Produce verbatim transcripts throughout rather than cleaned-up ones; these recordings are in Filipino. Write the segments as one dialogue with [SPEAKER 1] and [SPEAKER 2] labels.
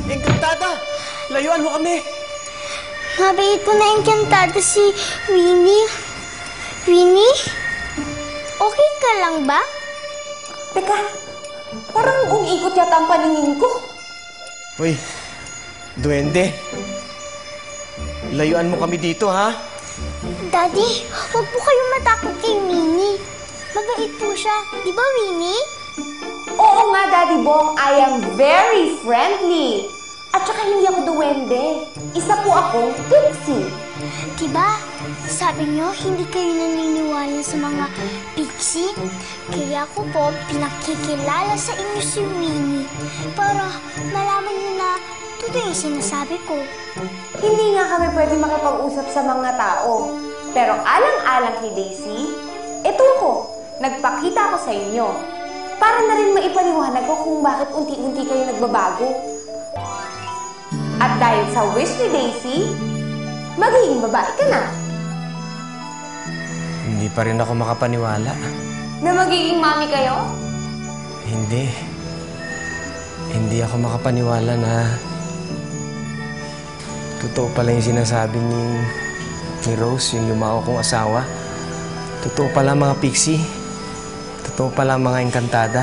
[SPEAKER 1] Encantada! Layuan mo kami!
[SPEAKER 2] Mabait ko na Encantada si Winnie. Winnie? Okay ka lang ba?
[SPEAKER 3] Teka, parang umiikot yata ang paningin ko.
[SPEAKER 1] Uy, duwende. Layuan mo kami dito, ha?
[SPEAKER 2] Daddy, huwag po kayong matakot kay Winnie. Mabait po siya. Di ba, Winnie?
[SPEAKER 3] Oo nga, Daddy Bong, I am very friendly. At saka hindi ako duwende. Isa po akong pixie.
[SPEAKER 2] Diba? Sabi niyo, hindi kayo naniniwala sa mga pixie? Kaya ako po, pinakikilala sa inyo si Winnie para malaman niyo na totoo yung sinasabi ko.
[SPEAKER 3] Hindi nga kami pwede makipag-usap sa mga tao. Pero alang-alang kay Daisy, ito ako, nagpakita ako sa inyo. Para na rin maipaliwanag ko kung bakit unti-unti kayo nagbabago. At dahil sa wish ni Daisy, magiging babae ka na.
[SPEAKER 1] Hindi pa rin ako makapaniwala.
[SPEAKER 3] Na magiging mami kayo?
[SPEAKER 1] Hindi. Hindi ako makapaniwala na totoo pala yung sinasabi ni, ni Rose, yung lumao kong asawa. Totoo pala mga pixie. Totoo pala mga Encantada.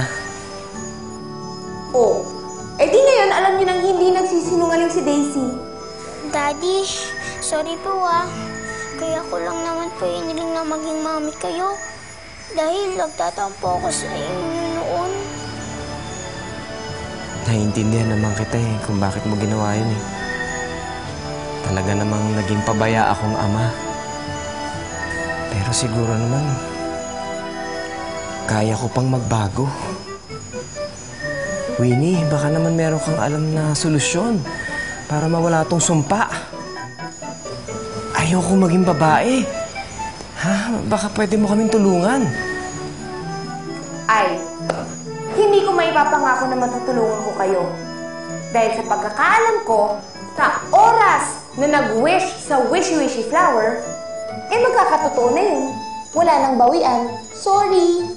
[SPEAKER 3] Oh, eh di ngayon alam niyo nang hindi nagsisinungaling si Daisy.
[SPEAKER 2] Daddy, sorry po ah. Kaya ko lang naman po iniling na maging mami kayo. Dahil nagtatampo ako sa inyo noon.
[SPEAKER 1] Naiintindihan naman kita eh kung bakit mo ginawa yun eh. Talaga namang naging pabaya akong ama. Pero siguro naman, kaya ko pang magbago. Winnie, baka naman meron kang alam na solusyon para mawala tong sumpa. Ayoko maging babae. Ha? Baka pwede mo kaming tulungan.
[SPEAKER 3] Ay, hindi ko maipapangako na matutulungan ko kayo. Dahil sa pagkakaalam ko, sa oras na nag-wish sa wishy-wishy flower, eh magkakatotoo na yun. Wala nang bawian. Sorry.